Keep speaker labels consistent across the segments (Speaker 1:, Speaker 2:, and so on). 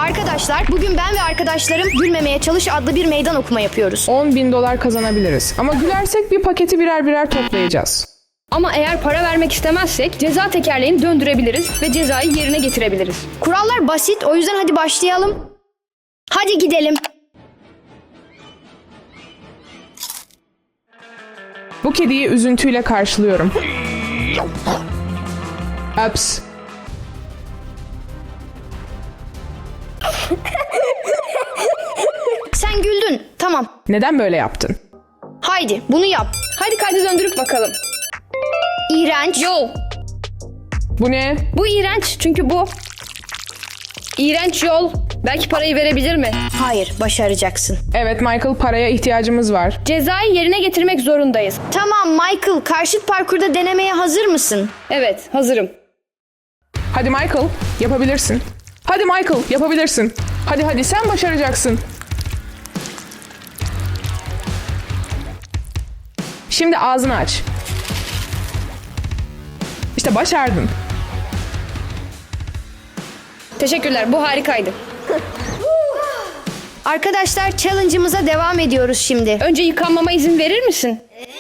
Speaker 1: Arkadaşlar, bugün ben ve arkadaşlarım Gülmemeye Çalış adlı bir meydan okuma yapıyoruz.
Speaker 2: $10.000 kazanabiliriz. Ama gülersek bir paketi birer birer toplayacağız.
Speaker 3: Ama eğer para vermek istemezsek ceza tekerleğini döndürebiliriz ve cezayı yerine getirebiliriz.
Speaker 1: Kurallar basit, o yüzden hadi başlayalım. Hadi gidelim.
Speaker 2: Bu kediyi üzüntüyle karşılıyorum. Ups.
Speaker 1: Sen güldün. Tamam.
Speaker 2: Neden böyle yaptın?
Speaker 1: Haydi bunu yap.
Speaker 3: Hadi kaydı döndürüp bakalım.
Speaker 1: İğrenç.
Speaker 3: Yol.
Speaker 2: Bu ne?
Speaker 3: Bu iğrenç çünkü bu. İğrenç yol. Belki parayı verebilir mi?
Speaker 1: Hayır, başaracaksın.
Speaker 2: Evet Michael, paraya ihtiyacımız var.
Speaker 3: Cezayı yerine getirmek zorundayız.
Speaker 1: Tamam Michael, karşıt parkurda denemeye hazır mısın?
Speaker 3: Evet, hazırım.
Speaker 2: Hadi Michael, yapabilirsin. Hadi Michael, yapabilirsin. Hadi sen başaracaksın. Şimdi ağzını aç. İşte başardın.
Speaker 3: Teşekkürler, bu harikaydı.
Speaker 1: Arkadaşlar, challenge'ımıza devam ediyoruz şimdi.
Speaker 3: Önce yıkanmama izin verir misin?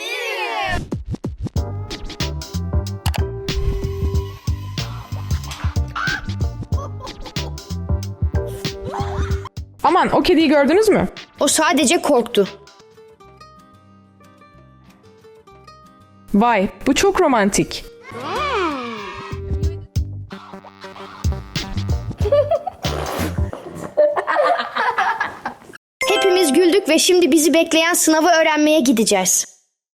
Speaker 2: Aman, o kediyi gördünüz mü?
Speaker 1: O sadece korktu.
Speaker 2: Vay, bu çok romantik.
Speaker 1: Hepimiz güldük ve şimdi bizi bekleyen sınavı öğrenmeye gideceğiz.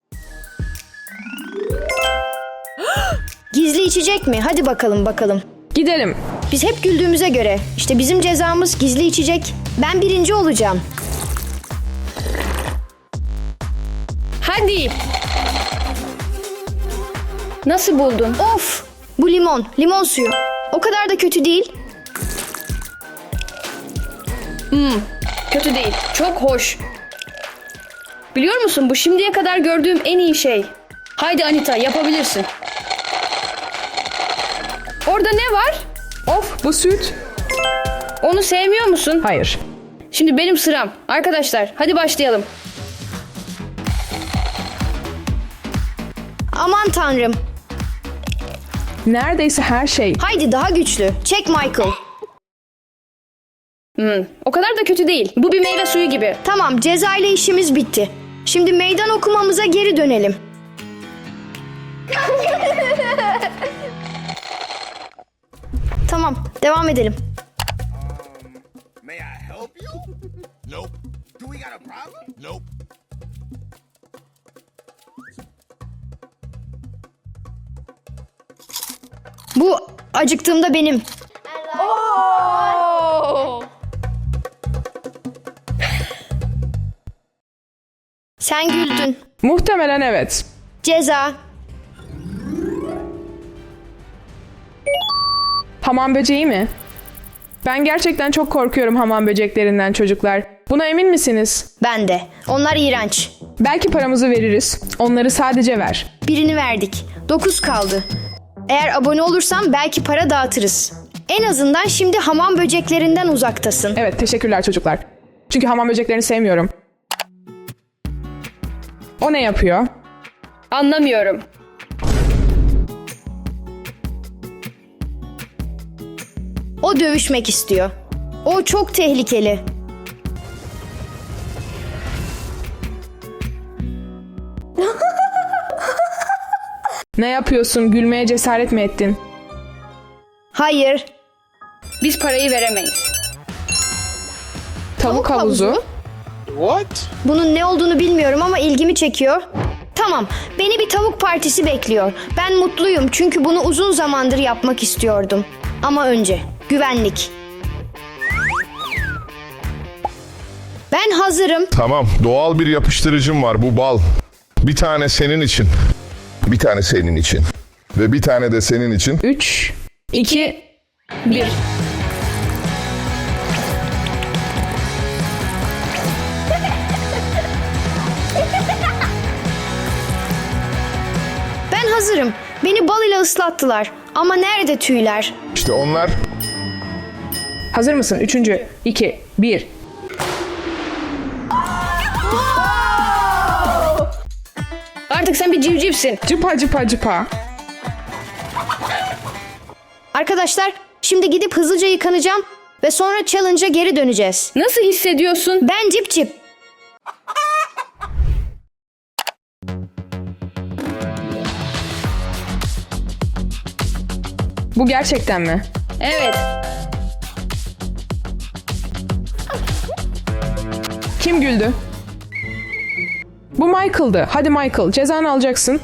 Speaker 1: Gizli içecek mi? Hadi bakalım.
Speaker 2: Gidelim.
Speaker 1: Biz hep güldüğümüze göre. İşte bizim cezamız gizli içecek. Ben birinci olacağım.
Speaker 3: Hadi. Nasıl buldun?
Speaker 1: Of! Bu limon. Limon suyu. O kadar da kötü değil.
Speaker 3: Kötü değil, çok hoş. Biliyor musun, bu şimdiye kadar gördüğüm en iyi şey. Haydi Anita, yapabilirsin. Orada ne var?
Speaker 2: Of, bu süt.
Speaker 3: Onu sevmiyor musun?
Speaker 2: Hayır.
Speaker 3: Şimdi benim sıram. Arkadaşlar, hadi başlayalım.
Speaker 1: Aman tanrım.
Speaker 2: Neredeyse her şey.
Speaker 1: Haydi daha güçlü. Çek Michael.
Speaker 3: O kadar da kötü değil. Bu bir meyve suyu gibi.
Speaker 1: Tamam, ceza ile işimiz bitti. Şimdi meydan okumamıza geri dönelim. Tamam, devam edelim.
Speaker 4: May I help you? Nope. Do we got a problem? Nope.
Speaker 1: Bu acıktığımda benim. Sen güldün.
Speaker 2: Muhtemelen evet.
Speaker 1: Ceza.
Speaker 2: Hamam böceği mi? Ben gerçekten çok korkuyorum hamam böceklerinden çocuklar. Buna emin misiniz?
Speaker 1: Ben de. Onlar iğrenç.
Speaker 2: Belki paramızı veririz. Onları sadece ver.
Speaker 1: Birini verdik. 9 kaldı. Eğer abone olursan belki para dağıtırız. En azından şimdi hamam böceklerinden uzaktasın.
Speaker 2: Evet, teşekkürler çocuklar. Çünkü hamam böceklerini sevmiyorum. O ne yapıyor?
Speaker 3: Anlamıyorum.
Speaker 1: O dövüşmek istiyor. O çok tehlikeli.
Speaker 2: Ne yapıyorsun? Gülmeye cesaret mi ettin?
Speaker 1: Hayır.
Speaker 3: Biz parayı veremeyiz.
Speaker 2: Tavuk havuzu.
Speaker 4: What?
Speaker 1: Bunun ne olduğunu bilmiyorum ama ilgimi çekiyor. Tamam, beni bir tavuk partisi bekliyor. Ben mutluyum çünkü bunu uzun zamandır yapmak istiyordum. Ama önce güvenlik. Ben hazırım.
Speaker 5: Tamam, doğal bir yapıştırıcım var, bu bal. Bir tane senin için. Bir tane senin için. Ve bir tane de senin için.
Speaker 2: 3, 2, 1.
Speaker 1: Ben hazırım. Beni bal ile ıslattılar. Ama nerede tüyler?
Speaker 5: İşte onlar
Speaker 2: Hazır mısın? 3. 2, 1.
Speaker 3: Artık sen bir civcivsin.
Speaker 2: Cıpa cıpa cıpa.
Speaker 1: Arkadaşlar şimdi gidip hızlıca yıkanacağım ve sonra challenge'a geri döneceğiz.
Speaker 3: Nasıl hissediyorsun?
Speaker 1: Ben Cip Cip.
Speaker 2: Bu gerçekten mi?
Speaker 3: Evet.
Speaker 2: Kim güldü? Bu Michael'dı. Hadi Michael, cezanı alacaksın.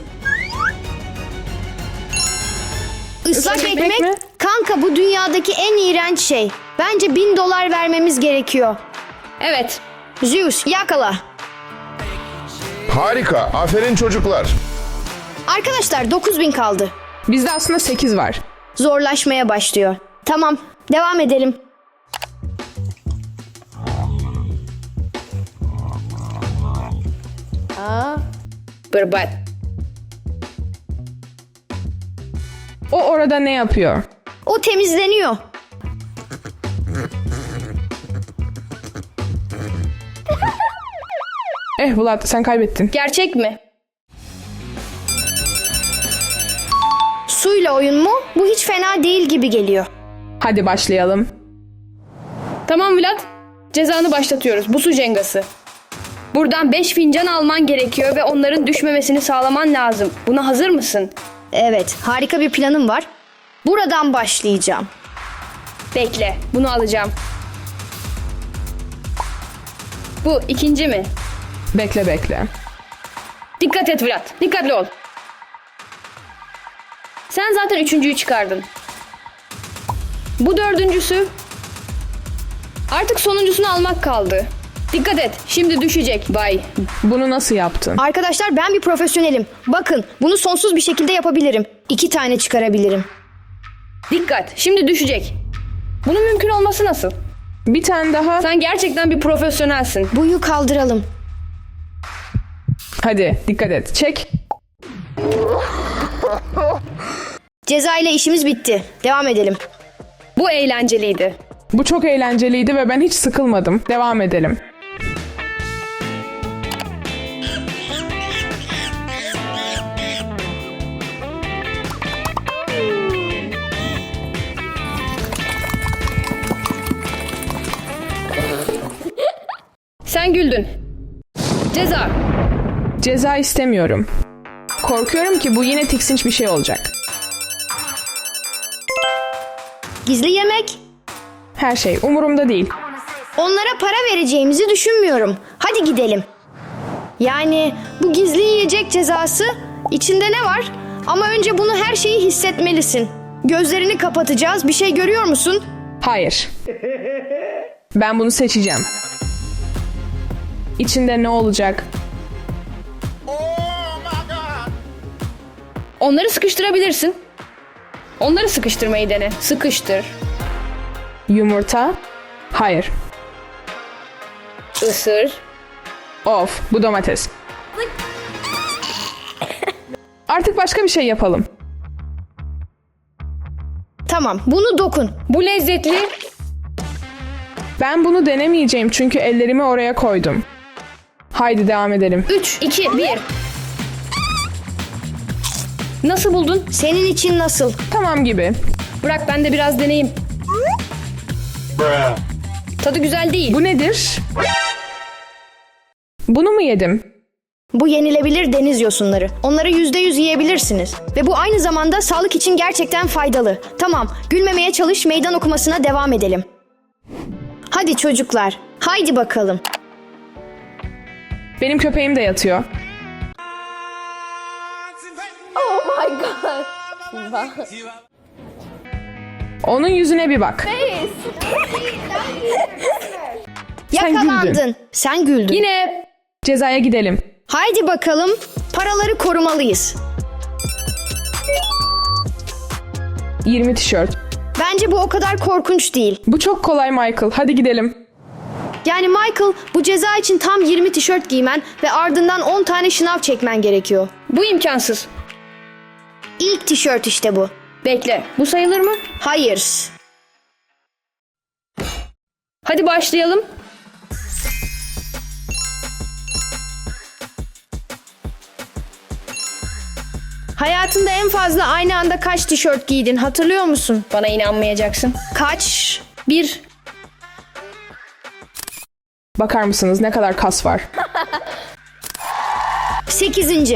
Speaker 1: Islak
Speaker 2: Islak
Speaker 1: ekmek
Speaker 2: ekmek mi?
Speaker 1: kanka bu dünyadaki en iğrenç şey. Bence $1000 vermemiz gerekiyor.
Speaker 3: Evet.
Speaker 1: Zeus yakala.
Speaker 5: Harika. Aferin çocuklar.
Speaker 1: Arkadaşlar 9000 kaldı.
Speaker 2: Bizde aslında 8 var.
Speaker 1: Zorlaşmaya başlıyor. Tamam devam edelim.
Speaker 3: Berbat.
Speaker 2: O orada ne yapıyor?
Speaker 1: O temizleniyor.
Speaker 2: Vlad, sen kaybettin.
Speaker 3: Gerçek mi?
Speaker 1: Suyla oyun mu? Bu hiç fena değil gibi geliyor.
Speaker 2: Hadi başlayalım.
Speaker 3: Tamam Vlad. Cezanı başlatıyoruz. Bu su cengası. Buradan 5 fincan alman gerekiyor ve onların düşmemesini sağlaman lazım. Buna hazır mısın?
Speaker 1: Evet harika bir planım var. Buradan başlayacağım.
Speaker 3: Bekle. Bunu alacağım. Bu ikinci mi?
Speaker 2: Bekle bekle.
Speaker 3: Dikkat et Vlad. Dikkatli ol. Sen zaten üçüncüyü çıkardın. Bu dördüncüsü. Artık sonuncusunu almak kaldı. Dikkat et. Şimdi düşecek. Bay.
Speaker 2: Bunu nasıl yaptın?
Speaker 1: Arkadaşlar ben bir profesyonelim. Bakın bunu sonsuz bir şekilde yapabilirim. 2 tane çıkarabilirim.
Speaker 3: Dikkat. Şimdi düşecek. Bunun mümkün olması nasıl?
Speaker 2: Bir tane daha.
Speaker 3: Sen gerçekten bir profesyonelsin.
Speaker 1: Buyu kaldıralım.
Speaker 2: Hadi dikkat et. Çek.
Speaker 1: Ceza ile işimiz bitti. Devam edelim.
Speaker 3: Bu eğlenceliydi.
Speaker 2: Bu çok eğlenceliydi ve ben hiç sıkılmadım. Devam edelim.
Speaker 3: Sen güldün. Ceza.
Speaker 2: Ceza istemiyorum. Korkuyorum ki bu yine tiksinç bir şey olacak.
Speaker 1: Gizli yemek.
Speaker 2: Her şey umurumda değil.
Speaker 1: Onlara para vereceğimizi düşünmüyorum. Hadi gidelim. Yani bu gizli yiyecek cezası içinde ne var? Ama önce bunu her şeyi hissetmelisin. Gözlerini kapatacağız. Bir şey görüyor musun?
Speaker 2: Hayır. Ben bunu seçeceğim. İçinde ne olacak?
Speaker 3: Onları sıkıştırabilirsin. Onları sıkıştırmayı dene. Sıkıştır.
Speaker 2: Yumurta? Hayır.
Speaker 3: Isır.
Speaker 2: Of, bu domates. Artık başka bir şey yapalım.
Speaker 1: Tamam, bunu dokun.
Speaker 3: Bu lezzetli.
Speaker 2: Ben bunu denemeyeceğim çünkü ellerimi oraya koydum. Haydi devam edelim.
Speaker 3: 3, 2, 1. Nasıl buldun?
Speaker 1: Senin için nasıl?
Speaker 2: Tamam gibi.
Speaker 3: Bırak ben de biraz deneyeyim. Tadı güzel değil.
Speaker 2: Bu nedir? Bunu mu yedim?
Speaker 1: Bu yenilebilir deniz yosunları. Onları %100 yiyebilirsiniz. Ve bu aynı zamanda sağlık için gerçekten faydalı. Tamam, gülmemeye çalış, meydan okumasına devam edelim. Hadi çocuklar, haydi bakalım.
Speaker 2: Benim köpeğim de yatıyor. Onun yüzüne bir bak. Sen
Speaker 1: Yakalandın.
Speaker 2: güldün.
Speaker 1: Sen güldün.
Speaker 3: Yine
Speaker 2: Cezaya gidelim.
Speaker 1: Haydi bakalım, paraları korumalıyız.
Speaker 2: 20 tişört.
Speaker 1: Bence bu o kadar korkunç değil.
Speaker 2: Bu çok kolay Michael. Hadi gidelim.
Speaker 1: Yani Michael, bu ceza için tam 20 tişört giymen ve ardından 10 tane şınav çekmen gerekiyor.
Speaker 3: bu imkansız.
Speaker 1: İlk tişört işte bu.
Speaker 3: Bekle. Bu sayılır mı?
Speaker 1: Hayır.
Speaker 3: Hadi başlayalım.
Speaker 1: Hayatında en fazla aynı anda kaç tişört giydin hatırlıyor musun?
Speaker 3: Bana inanmayacaksın.
Speaker 1: Kaç?
Speaker 3: 1.
Speaker 2: Bakar mısınız ne kadar kas var?
Speaker 1: 8.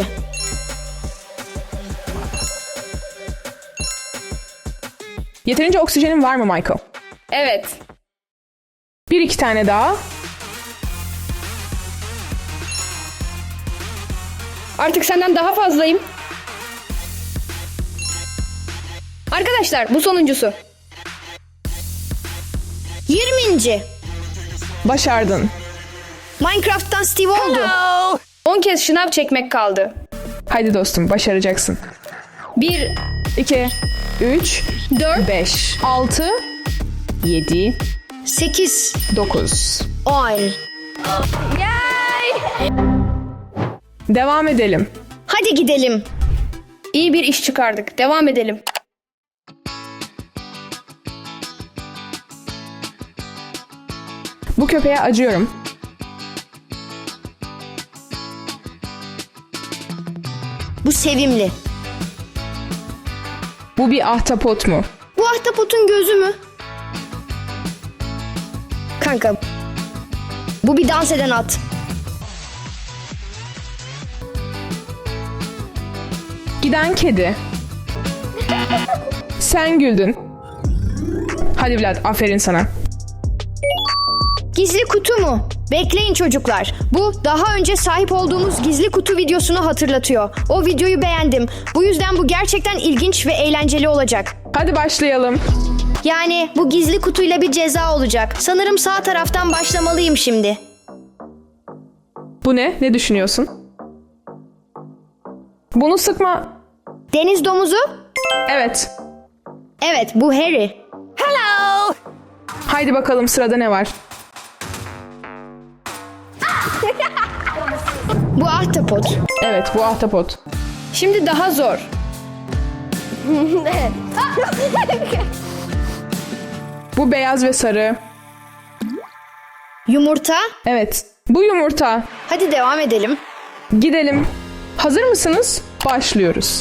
Speaker 2: Yeterince oksijenin var mı Michael?
Speaker 3: Evet.
Speaker 2: 1-2 tane daha.
Speaker 3: Artık senden daha fazlayım. Arkadaşlar bu sonuncusu.
Speaker 1: 20.
Speaker 2: Başardın.
Speaker 1: Minecraft'tan Steve oldu.
Speaker 3: 10 kez şınav çekmek kaldı.
Speaker 2: Haydi dostum başaracaksın.
Speaker 3: 1,
Speaker 2: 2, 3,
Speaker 3: 4,
Speaker 2: 5, 6, 7,
Speaker 1: 8.
Speaker 2: 9.
Speaker 1: 10.
Speaker 2: Devam edelim.
Speaker 1: Hadi gidelim.
Speaker 3: İyi bir iş çıkardık. Devam edelim.
Speaker 2: Bu köpeğe acıyorum.
Speaker 1: Bu sevimli.
Speaker 2: Bu bir ahtapot mu?
Speaker 1: Bu ahtapotun gözü mü? Kanka. Bu bir dans eden at.
Speaker 2: Giden kedi. Sen güldün. Hadi Vlad, aferin sana.
Speaker 1: Gizli kutu mu? Bekleyin çocuklar. Bu daha önce sahip olduğumuz gizli kutu videosunu hatırlatıyor. O videoyu beğendim. Bu yüzden bu gerçekten ilginç ve eğlenceli olacak.
Speaker 2: Hadi başlayalım.
Speaker 1: Yani bu gizli kutuyla bir ceza olacak. Sanırım sağ taraftan başlamalıyım şimdi.
Speaker 2: Bu ne? Ne düşünüyorsun? Bunu sıkma.
Speaker 1: Deniz domuzu?
Speaker 2: Evet.
Speaker 1: Evet, bu Harry.
Speaker 2: Haydi bakalım sırada ne var?
Speaker 1: Bu ahtapot.
Speaker 2: Evet, bu ahtapot.
Speaker 3: Şimdi daha zor.
Speaker 2: Bu beyaz ve sarı.
Speaker 1: Yumurta.
Speaker 2: Evet, bu yumurta.
Speaker 1: Hadi devam edelim.
Speaker 2: Gidelim. Hazır mısınız? Başlıyoruz.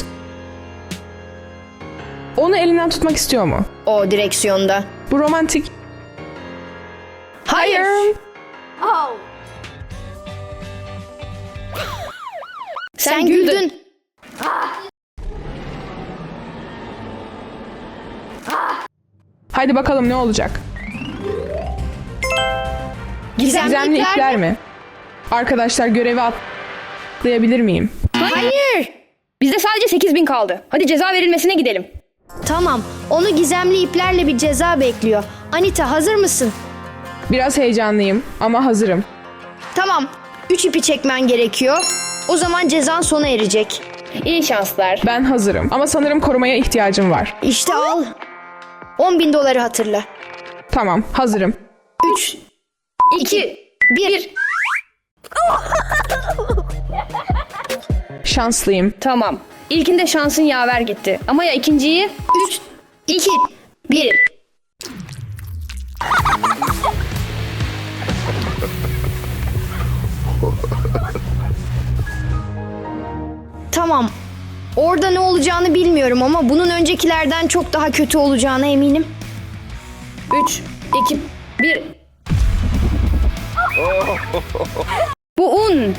Speaker 2: Onu elinden tutmak istiyor mu?
Speaker 1: O direksiyonda.
Speaker 2: Bu romantik.
Speaker 1: Hayır. Sen güldün.
Speaker 2: Haydi bakalım ne olacak? Gizemli ipler mi? Arkadaşlar görevi atlayabilir miyim?
Speaker 1: Hayır.
Speaker 3: Bizde sadece 8.000 kaldı. Hadi ceza verilmesine gidelim.
Speaker 1: Tamam. Onu gizemli iplerle bir ceza bekliyor. Anita hazır mısın?
Speaker 2: Biraz heyecanlıyım ama hazırım.
Speaker 1: Tamam. 3 ipi çekmen gerekiyor. O zaman cezan sona erecek.
Speaker 3: İyi şanslar.
Speaker 2: Ben hazırım ama sanırım korumaya ihtiyacım var.
Speaker 1: İşte al. 10.000 doları hatırla.
Speaker 2: Tamam, hazırım.
Speaker 1: 3,
Speaker 3: 2,
Speaker 1: 1.
Speaker 2: Şanslıyım.
Speaker 3: Tamam. İlkinde şansın yaver gitti. Ama ya ikinciyi?
Speaker 1: 3, 2, 1. Tamam. Orada ne olacağını bilmiyorum ama bunun öncekilerden çok daha kötü olacağına eminim.
Speaker 3: 3, 2, 1. Bu un.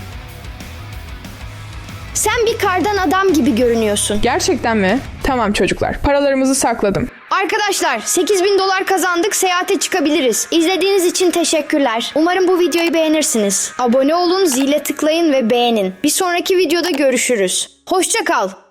Speaker 1: Sen bir kardan adam gibi görünüyorsun.
Speaker 2: Gerçekten mi? Tamam çocuklar, paralarımızı sakladım.
Speaker 1: Arkadaşlar 8.000 dolar kazandık, seyahate çıkabiliriz. İzlediğiniz için teşekkürler. Umarım bu videoyu beğenirsiniz. Abone olun, zile tıklayın ve beğenin. Bir sonraki videoda görüşürüz. Hoşça kal.